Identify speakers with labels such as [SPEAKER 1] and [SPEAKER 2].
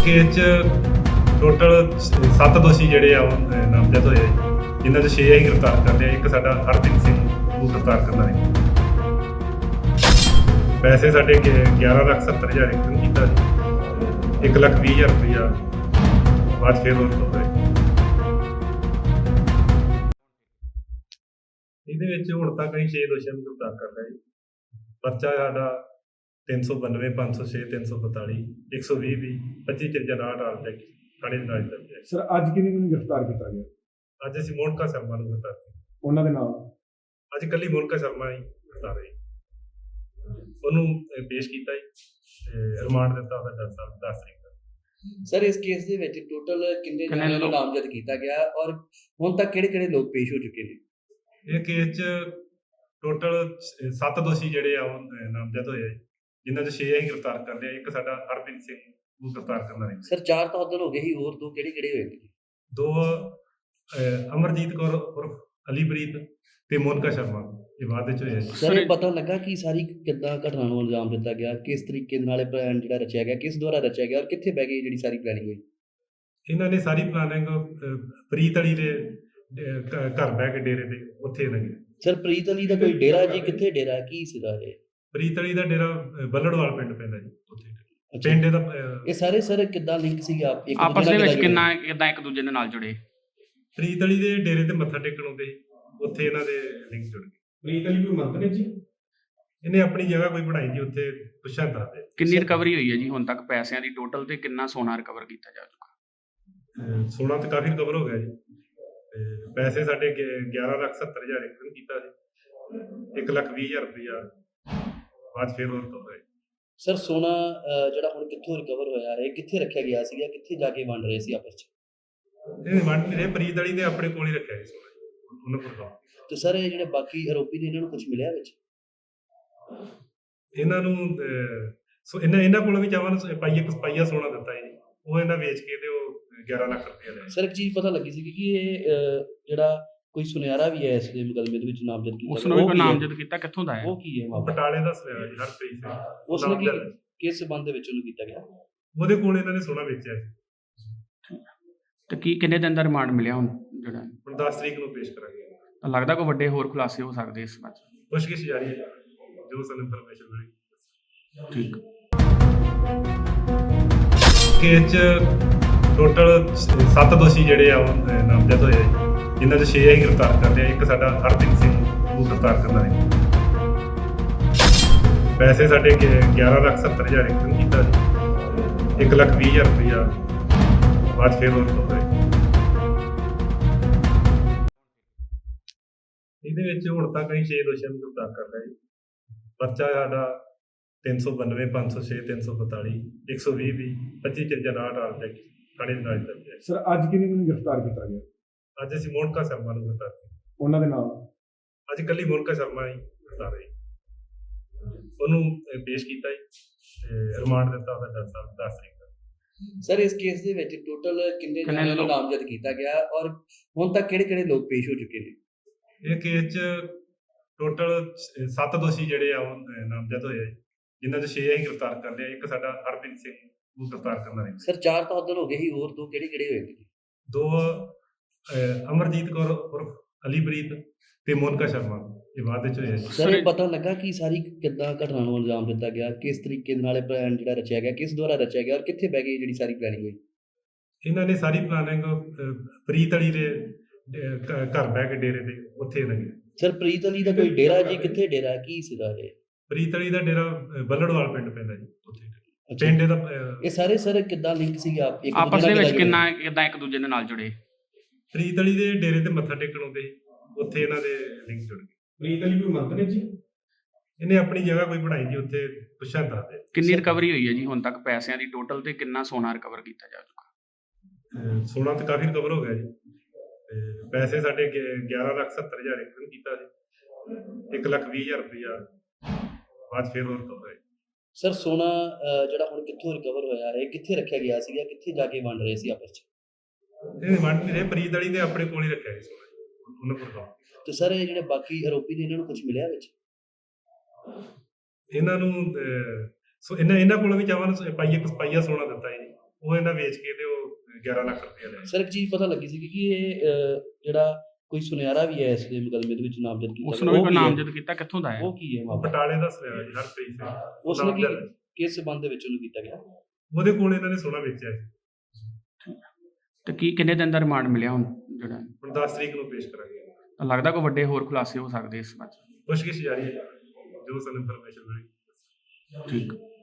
[SPEAKER 1] Case 'ਚ total 7 ਦੋਸ਼ੀ ਜਿਹੜੇ ਆ ਉਹ ਨਾਮਜ਼ਦ ਹੋਏ ਆ, ਜਿਨ੍ਹਾਂ 'ਚ 6 ਅਸੀਂ ਗ੍ਰਿਫਤਾਰ ਕਰ ਲਿਆ। ਇੱਕ ਸਾਡਾ ਹਰਪ੍ਰੀਤ ਸਿੰਘ ਨੂੰ ਗ੍ਰਿਫਤਾਰ ਕਰਨਾ ਹੈ। ਪੈਸੇ ਸਾਡੇ 11,70,000 ਇੱਕ ਕੀਤਾ ਜੀ, 1,20,000 ਰੁਪਇਆ ਬਾਅਦ ਫਿਰ ਉਹ ਤੋਂ ਹੋਏ। ਇਹਦੇ ਵਿੱਚ ਹੁਣ ਤੱਕ ਅਸੀਂ 6 ਦੋਸ਼ੀਆਂ ਨੂੰ ਗ੍ਰਿਫਤਾਰ ਕਰ ਲਿਆ ਜੀ। ਪਰਚਾ ਸਾਡਾ 392, 506, 342, 120 ਵੀ 25 59 ਆਲ ਤੱਕ ਥਾਣੇ ਦੇ ਨਾਲ ਦਰਜ ਹੈ।
[SPEAKER 2] ਸਰ ਅੱਜ ਕਿਹਨੂੰ ਨੂੰ ਗ੍ਰਿਫਤਾਰ ਕੀਤਾ ਗਿਆ?
[SPEAKER 1] ਅੱਜ ਅਸੀਂ ਮੋਨਕਾ ਸ਼ਰਮਾ ਨੂੰ ਗ੍ਰਿਫਤਾਰ ਕੀਤਾ।
[SPEAKER 2] ਉਹਨਾਂ ਦੇ ਨਾਲ
[SPEAKER 1] ਅੱਜ ਕੱਲੀ ਮੋਨਕਾ ਸ਼ਰਮਾ ਹੀ ਗ੍ਰਿਫਤਾਰ ਹੋਈ। ਉਹਨੂੰ ਪੇਸ਼ ਕੀਤਾ ਜੀ, ਰਿਮਾਂਡ ਦਿੱਤਾ ਉਹਦਾ ਜੱਜ ਸਾਹਿਬ 10 ਤਰੀਕ ਦਾ।
[SPEAKER 3] ਸਰ ਇਸ ਕੇਸ ਦੇ ਵਿੱਚ ਟੋਟਲ ਕਿੰਨੇ ਜਣਿਆਂ ਨੂੰ ਨਾਮਜ਼ਦ ਕੀਤਾ ਗਿਆ ਔਰ ਹੁਣ ਤੱਕ ਕਿਹੜੇ ਲੋਕ ਪੇਸ਼ ਹੋ ਚੁੱਕੇ ਨੇ?
[SPEAKER 1] ਇਹ ਕੇਸ 'ਚ ਟੋਟਲ 7 ਦੋਸ਼ੀ ਜਿਹੜੇ ਆ ਉਹ ਨਾਮਜ਼ਦ ਹੋਏ ਆ, ਜਿਨ੍ਹਾਂ 'ਚ 6 ਅਸੀਂ ਗ੍ਰਿਫਤਾਰ ਕਰ ਲਿਆ। ਇੱਕ ਸਾਡਾ ਹਰਪ੍ਰੀਤ ਸਿੰਘ ਨੂੰ ਗ੍ਰਿਫਤਾਰ ਕਰਨਾ ਹੈ।
[SPEAKER 3] ਸਰ 4 ਤਾਂ ਉਧਰ ਹੋ ਗਏ ਸੀ, ਹੋਰ ਦੋ ਕਿਹੜੇ ਹੋਏ ਨੇ?
[SPEAKER 1] 2 ਅਮਰਜੀਤ ਕੌਰ ਉਰਫ ਅਲੀਪ੍ਰੀਤ ਤੇ ਮੋਨਕਾ ਸ਼ਰਮਾ, ਇਹ ਬਾਅਦ ਵਿੱਚ ਹੋਇਆ ਜੀ।
[SPEAKER 3] ਸਰ ਇਹ ਪਤਾ ਲੱਗਾ ਕਿ ਸਾਰੀ ਕਿੱਦਾਂ ਘਟਨਾ ਨੂੰ ਅੰਜਾਮ ਦਿੱਤਾ ਗਿਆ, ਕਿਸ ਤਰੀਕੇ ਨਾਲ ਇਹ ਪਲਾਨ ਜਿਹੜਾ ਰਚਿਆ ਗਿਆ, ਕਿਸ ਦੁਆਰਾ ਰਚਿਆ ਗਿਆ ਔਰ ਕਿੱਥੇ ਬਹਿ ਗਈ ਜਿਹੜੀ ਸਾਰੀ ਪਲੈਨਿੰਗ ਹੋਈ?
[SPEAKER 1] ਇਹਨਾਂ ਨੇ ਸਾਰੀ ਪਲਾਨਿੰਗ ਪ੍ਰੀਤ ਅਲੀ ਦੇ ਘਰ ਬਹਿ ਕੇ ਡੇਰੇ ਤੇ ਉੱਥੇ ਲੱਗੀ।
[SPEAKER 3] ਸਰ ਪ੍ਰੀਤ ਅਲੀ ਦਾ ਕੋਈ ਡੇਰਾ ਜੀ, ਕਿੱਥੇ ਡੇਰਾ, ਕੀ ਸੀਗਾ ਇਹ?
[SPEAKER 1] ਪ੍ਰੀਤ ਅਲੀ ਦਾ ਡੇਰਾ ਬੱਲੜਵਾਲ ਪਿੰਡ ਪੈਂਦਾ ਜੀ, ਉੱਥੇ ਪਿੰਡ ਦਾ।
[SPEAKER 3] ਇਹ ਸਾਰੇ ਸਰ ਕਿੱਦਾਂ ਲਿੰਕ ਸੀਗਾ
[SPEAKER 4] ਆਪਸ ਦੇ ਵਿੱਚ ਕਿੱਦਾਂ ਇੱਕ ਦੂਜੇ ਦੇ ਨਾਲ ਜੁੜੇ?
[SPEAKER 1] ਪ੍ਰੀਤ ਅਲੀ ਦੇ ਡੇਰੇ ਤੇ ਮੱਥਾ ਟੇਕਣ ਆਉਂਦੇ, ਉੱਥੇ ਇਹਨਾਂ ਦੇ ਲਿੰਕ ਜੁੜ ਗਏ।
[SPEAKER 2] ਪ੍ਰੀਤ ਅਲੀ ਕੋਈ ਮੰਤਰੀ ਜੀ?
[SPEAKER 1] ਇਹਨੇ ਆਪਣੀ ਜਗ੍ਹਾ ਕੋਈ ਬਣਾਈ ਜੀ, ਉੱਥੇ ਪੁੱਛਾਂ ਦੱਸਦੇ।
[SPEAKER 4] ਕਿੰਨੀ ਰਿਕਵਰੀ ਹੋਈ ਹੈ ਜੀ ਹੁਣ ਤੱਕ ਪੈਸਿਆਂ ਦੀ ਟੋਟਲ, ਤੇ ਕਿੰਨਾ ਸੋਨਾ ਰਿਕਵਰ ਕੀਤਾ ਜਾ ਚੁੱਕਾ?
[SPEAKER 1] ਸੋਨਾ ਤੇ ਕਾਫੀ ਰਿਕਵਰ ਹੋ ਗਿਆ ਜੀ। ਤੇ ਪੈਸੇ ਸਾਡੇ 11,70,000 ਇੱਕ ਕੀਤਾ ਸੀ, 1,20,000 ਰੁਪਇਆ ਬਾਅਦ ਫਿਰ ਉਹ ਤੋਂ ਹੋਏ।
[SPEAKER 3] ਸਰ ਸੋਨਾ ਜਿਹੜਾ ਹੁਣ ਕਿੱਥੋਂ ਰਿਕਵਰ ਹੋਇਆ ਹੈ, ਕਿੱਥੇ ਰੱਖਿਆ ਗਿਆ ਸੀਗਾ, ਕਿੱਥੇ ਜਾ ਕੇ ਵੰਡ ਰਹੇ ਸੀ ਆਪਸ 'ਚ?
[SPEAKER 1] ਇਹ ਵੰਡ ਨਹੀਂ ਰਹੇ, ਪ੍ਰੀਤ ਅਲੀ ਨੇ ਆਪਣੇ ਕੋਲ ਹੀ ਰੱਖਿਆ ਸੀ ਸੋਨਾ, ਉਹਨਾਂ ਕੋਲ।
[SPEAKER 3] ਤੇ ਸਰ ਇਹ ਜਿਹੜੇ ਬਾਕੀ ਆਰੋਪੀ ਨੇ ਇਹਨਾਂ ਨੂੰ ਕੁਝ ਮਿਲਿਆ ਵਿੱਚ?
[SPEAKER 1] ਇਹਨਾਂ ਨੂੰ ਇਹਨਾਂ ਕੋਲ ਵੀ ਚਾਹਵਾਂ ਪਾਈਆ ਸੋਨਾ ਦਿੱਤਾ ਜੀ, ਉਹ ਇਹਨਾਂ ਵੇਚ ਕੇ ਤੇ ਉਹ 11 ਲੱਖ ਰੁਪਏ ਲਿਆ।
[SPEAKER 3] ਸਰ ਇੱਕ ਚੀਜ਼ ਪਤਾ ਲੱਗੀ ਸੀ ਕਿ ਇਹ ਜਿਹੜਾ ਕੋਈ ਸੁਨਿਆਰਾ ਵੀ ਹੈ ਇਸ ਦੇ ਮੁਕੱਦਮੇ ਦੇ ਵਿੱਚ ਨਾਮਜ਼ਦ ਕੀਤਾ,
[SPEAKER 4] ਉਸ ਨੂੰ ਵੀ ਨਾਮਜ਼ਦ ਕੀਤਾ, ਕਿੱਥੋਂ ਦਾ ਹੈ?
[SPEAKER 3] ਉਹ ਕੀ ਹੈ ਮਾਮਲਾ?
[SPEAKER 1] ਬਟਾਲੇ ਦਾ ਸੁਨਿਆਰਾ ਜੀ, ਹਰਪ੍ਰੀਤ ਸਿੰਘ।
[SPEAKER 3] ਉਸ ਨੇ ਕਿਸ ਸਬੰਧ ਦੇ ਵਿੱਚ ਉਹਨੂੰ ਕੀਤਾ ਗਿਆ?
[SPEAKER 1] ਉਹਦੇ ਕੋਲ ਇਹਨਾਂ ਨੇ ਸੋਨਾ ਵੇਚਿਆ ਸੀ।
[SPEAKER 4] ਤੇ ਕਿੰਨੇ ਦਿਨ ਦਾ ਰਿਮਾਂਡ ਮਿਲਿਆ ਹੁਣ ਜਿਹੜਾ?
[SPEAKER 1] ਹੁਣ 10 ਤਰੀਕ ਨੂੰ ਪੇਸ਼ ਕਰਾਂਗੇ।
[SPEAKER 4] ਤਾਂ ਲੱਗਦਾ ਕੋਈ ਵੱਡੇ ਹੋਰ ਖੁਲਾਸੇ ਹੋ ਸਕਦੇ ਇਸ ਵਿੱਚ?
[SPEAKER 1] ਪੁੱਛਗਿੱਛ ਜਾਰੀ ਹੈ, ਜੋ ਸਾਨੂੰ ਇਨਫੋਰਮੇਸ਼ਨ ਮਿਲੀ।
[SPEAKER 4] ਠੀਕ।
[SPEAKER 1] ਕੇਸ 'ਚ ਟੋਟਲ 7 ਦੋਸ਼ੀ ਜਿਹੜੇ ਆ ਉਹ ਨਾਮਜ਼ਦ ਹੋਏ ਆ, ਜਿਨ੍ਹਾਂ 'ਚ 6 ਅਸੀਂ ਗ੍ਰਿਫਤਾਰ ਕਰ ਲਿਆ। ਇੱਕ ਸਾਡਾ ਹਰਪ੍ਰੀਤ ਸਿੰਘ ਨੂੰ ਗ੍ਰਿਫਤਾਰ ਕਰਨਾ ਹੈ। ਪੈਸੇ ਸਾਡੇ 11,70,000 ਇੱਕ ਕੀਤਾ ਜੀ, 1,20,000 ਰੁਪਇਆ ਬਾਅਦ ਫਿਰ ਉਹ ਤੋਂ ਹੋਏ। ਇਹਦੇ ਵਿੱਚ ਹੁਣ ਤੱਕ ਅਸੀਂ 6 ਦੋਸ਼ੀਆਂ ਨੂੰ ਗ੍ਰਿਫਤਾਰ ਕਰ ਲਿਆ ਜੀ। ਪਰਚਾ ਸਾਡਾ 392, 506, 342, 120 ਵੀ 25 59 ਆਲ ਤੱਕ ਥਾਣੇ ਦੇ ਨਾਲ ਦਰਜ ਹੈ।
[SPEAKER 2] ਸਰ ਅੱਜ ਕਿਹਨੂੰ ਨੂੰ ਗ੍ਰਿਫਤਾਰ ਕੀਤਾ ਗਿਆ?
[SPEAKER 1] ਅੱਜ ਅਸੀਂ ਮੋਨਕਾ ਸ਼ਰਮਾ ਨੂੰ ਗ੍ਰਿਫਤਾਰ ਕੀਤਾ।
[SPEAKER 2] ਉਹਨਾਂ ਦੇ ਨਾਲ
[SPEAKER 1] ਅੱਜ ਕੱਲੀ ਮੋਨਕਾ ਸ਼ਰਮਾ ਹੀ ਗ੍ਰਿਫਤਾਰ ਹੋਈ। ਉਹਨੂੰ ਪੇਸ਼ ਕੀਤਾ ਜੀ, ਰਿਮਾਂਡ ਦਿੱਤਾ ਉਹਦਾ ਜੱਜ ਸਾਹਿਬ 10 ਤਰੀਕ ਦਾ।
[SPEAKER 3] ਸਰ ਇਸ ਕੇਸ ਦੇ ਵਿੱਚ ਟੋਟਲ ਕਿੰਨੇ ਜਣਿਆਂ ਨੂੰ ਨਾਮਜ਼ਦ ਕੀਤਾ ਗਿਆ ਔਰ ਹੁਣ ਤੱਕ ਕਿਹੜੇ ਲੋਕ ਪੇਸ਼ ਹੋ ਚੁੱਕੇ ਨੇ?
[SPEAKER 1] ਇਹ ਕੇਸ 'ਚ ਟੋਟਲ 7 ਦੋਸ਼ੀ ਜਿਹੜੇ ਆ ਉਹ ਨਾਮਜ਼ਦ ਹੋਏ ਆ, ਜਿਨ੍ਹਾਂ 'ਚ 6 ਅਸੀਂ ਗ੍ਰਿਫਤਾਰ ਕਰ ਲਿਆ। ਇੱਕ ਸਾਡਾ ਹਰਪ੍ਰੀਤ ਸਿੰਘ ਨੂੰ ਗ੍ਰਿਫਤਾਰ ਕਰਨਾ ਹੈ।
[SPEAKER 3] ਸਰ 4 ਤਾਂ ਉਧਰ ਹੋ ਗਏ ਸੀ, ਹੋਰ ਦੋ ਕਿਹੜੇ ਹੋਏ ਨੇ?
[SPEAKER 1] 2 ਅਮਰਜੀਤ ਕੌਰ ਉਰਫ ਅਲੀਪ੍ਰੀਤ ਤੇ ਮੋਨਕਾ ਸ਼ਰਮਾ, ਇਹ ਬਾਅਦ ਵਿੱਚ ਹੋਇਆ ਜੀ।
[SPEAKER 3] ਸਰ ਇਹ ਪਤਾ ਲੱਗਾ ਕਿ ਸਾਰੀ ਕਿੱਦਾਂ ਘਟਨਾ ਨੂੰ ਅੰਜਾਮ ਦਿੱਤਾ ਗਿਆ, ਕਿਸ ਤਰੀਕੇ ਨਾਲ ਇਹ ਪਲਾਨ ਜਿਹੜਾ ਰਚਿਆ ਗਿਆ, ਕਿਸ ਦੁਆਰਾ ਰਚਿਆ ਗਿਆ ਔਰ ਕਿੱਥੇ ਬਹਿ ਗਈ ਜਿਹੜੀ ਸਾਰੀ ਪਲੈਨਿੰਗ ਹੋਈ?
[SPEAKER 1] ਇਹਨਾਂ ਨੇ ਸਾਰੀ ਪਲਾਨਿੰਗ ਪ੍ਰੀਤ ਅਲੀ ਦੇ ਘਰ ਬਹਿ ਕੇ ਡੇਰੇ ਤੇ ਉੱਥੇ ਲੱਗੀ।
[SPEAKER 3] ਸਰ ਪ੍ਰੀਤ ਅਲੀ ਦਾ ਕੋਈ ਡੇਰਾ ਜੀ, ਕਿੱਥੇ ਡੇਰਾ, ਕੀ ਸੀਗਾ ਇਹ?
[SPEAKER 1] ਪ੍ਰੀਤ ਅਲੀ ਦਾ ਡੇਰਾ ਬੱਲੜਵਾਲ ਪਿੰਡ ਪੈਂਦਾ ਜੀ, ਉੱਥੇ ਪਿੰਡ ਦਾ।
[SPEAKER 3] ਇਹ ਸਾਰੇ ਸਰ ਕਿੱਦਾਂ ਲਿੰਕ ਸੀਗਾ
[SPEAKER 4] ਆਪਸ ਦੇ ਵਿੱਚ ਕਿੱਦਾਂ ਇੱਕ ਦੂਜੇ ਦੇ ਨਾਲ ਜੁੜੇ?
[SPEAKER 1] ਪ੍ਰੀਤ ਅਲੀ ਦੇ ਡੇਰੇ ਤੇ ਮੱਥਾ ਟੇਕਣ ਆਉਂਦੇ, ਉੱਥੇ ਇਹਨਾਂ ਦੇ ਲਿੰਕ ਜੁੜ ਗਏ।
[SPEAKER 2] ਪ੍ਰੀਤ ਅਲੀ ਕੋਈ ਮੰਤਰੀ ਜੀ?
[SPEAKER 1] ਇਹਨੇ ਆਪਣੀ ਜਗ੍ਹਾ ਕੋਈ ਬਣਾਈ ਜੀ, ਉੱਥੇ ਪੁੱਛਾਂ ਦੱਸਦੇ।
[SPEAKER 4] ਕਿੰਨੀ ਰਿਕਵਰੀ ਹੋਈ ਹੈ ਜੀ ਹੁਣ ਤੱਕ ਪੈਸਿਆਂ ਦੀ ਟੋਟਲ, ਤੇ ਕਿੰਨਾ ਸੋਨਾ ਰਿਕਵਰ ਕੀਤਾ ਜਾ ਚੁੱਕਾ?
[SPEAKER 1] ਸੋਨਾ ਤੇ ਕਾਫੀ ਰਿਕਵਰ ਹੋ ਗਿਆ ਜੀ। ਤੇ ਪੈਸੇ ਸਾਡੇ 11,70,000 ਇੱਕ ਕੀਤਾ ਸੀ, 1,20,000 ਰੁਪਇਆ ਬਾਅਦ ਫਿਰ ਉਹ ਤੋਂ ਹੋਏ।
[SPEAKER 3] ਸਰ ਸੋਨਾ ਜਿਹੜਾ ਹੁਣ ਕਿੱਥੋਂ ਰਿਕਵਰ ਹੋਇਆ ਹੈ, ਕਿੱਥੇ ਰੱਖਿਆ ਗਿਆ ਸੀਗਾ, ਕਿੱਥੇ ਜਾ ਕੇ ਵੰਡ ਰਹੇ ਸੀ ਆਪਸ 'ਚ?
[SPEAKER 1] ਇਹ ਵੰਡ ਨਹੀਂ ਰਹੇ, ਪ੍ਰੀਤ ਅਲੀ ਨੇ ਆਪਣੇ ਕੋਲ ਹੀ ਰੱਖਿਆ ਸੀ ਸੋਨਾ, ਉਹਨਾਂ ਕੋਲ।
[SPEAKER 3] ਤੇ ਸਰ ਇਹ ਜਿਹੜੇ ਬਾਕੀ ਆਰੋਪੀ ਨੇ ਇਹਨਾਂ ਨੂੰ ਕੁਝ ਮਿਲਿਆ ਵਿੱਚ?
[SPEAKER 1] ਇਹਨਾਂ ਨੂੰ ਇਹਨਾਂ ਕੋਲ ਵੀ ਚਾਹਵਾਂ ਪਾਈਆ ਸੋਨਾ ਦਿੱਤਾ ਜੀ, ਉਹ ਇਹਨਾਂ ਵੇਚ ਕੇ ਤੇ ਉਹ 11 ਲੱਖ ਰੁਪਏ ਲੈ
[SPEAKER 3] ਸਰ ਇੱਕ ਚੀਜ਼ ਪਤਾ ਲੱਗੀ ਸੀ ਕਿ ਇਹ ਜਿਹੜਾ ਕੋਈ ਸੁਨਿਆਰਾ ਵੀ ਹੈ ਇਸ ਦੇ ਮੁਕੱਦਮੇ ਦੇ ਵਿੱਚ ਨਾਮਜ਼ਦ ਕੀਤਾ
[SPEAKER 4] ਉਸ
[SPEAKER 3] ਗਿਆ।
[SPEAKER 4] ਨੂੰ ਵੀ
[SPEAKER 3] ਉਹ
[SPEAKER 4] ਕੋਈ
[SPEAKER 3] ਕੀ ਹੈ?
[SPEAKER 4] ਨਾਮਜ਼ਦ ਕੀਤਾ, ਕਿੱਥੋਂ ਦਾ ਹੈ?
[SPEAKER 3] ਉਹ ਕੀ ਹੈ ਮਾਮਲਾ?
[SPEAKER 1] ਬਟਾਲੇ ਦਾ ਸੁਣਿਆ ਜੀ ਹਰਪ੍ਰੀਤ ਸਿੰਘ
[SPEAKER 3] ਉਸ ਨੇ ਕੀ
[SPEAKER 1] ਨਾਮਜ਼ਦ।
[SPEAKER 3] ਕਿਸ ਸਬੰਧ ਦੇ ਵਿੱਚ ਉਹਨੂੰ ਕੀਤਾ ਗਿਆ?
[SPEAKER 1] ਉਹਦੇ ਕੋਲ ਇਹਨਾਂ ਨੇ ਸੋਨਾ ਵੇਚਿਆ ਸੀ।
[SPEAKER 4] ਤੇ ਕੀ ਕਿੰਨੇ ਦਿਨ ਦਾ ਰਿਮਾਂਡ ਮਿਲਿਆ ਹੁਣ ਜਿਹੜਾ?
[SPEAKER 1] ਹੁਣ 10 ਤਰੀਕ ਨੂੰ ਪੇਸ਼ ਕਰਾਂਗੇ।
[SPEAKER 4] ਤਾਂ ਲੱਗਦਾ ਕੋਈ ਵੱਡੇ ਹੋਰ ਖੁਲਾਸੇ ਹੋ ਸਕਦੇ ਇਸ ਬਾਰੇ?
[SPEAKER 1] ਪੁੱਛਗਿੱਛ ਜਾਰੀ ਹੈ ਜੋ ਸਾਨੂੰ ਇਨਫੋਰਮੇਸ਼ਨ ਮਿਲੀ।
[SPEAKER 4] ਠੀਕ।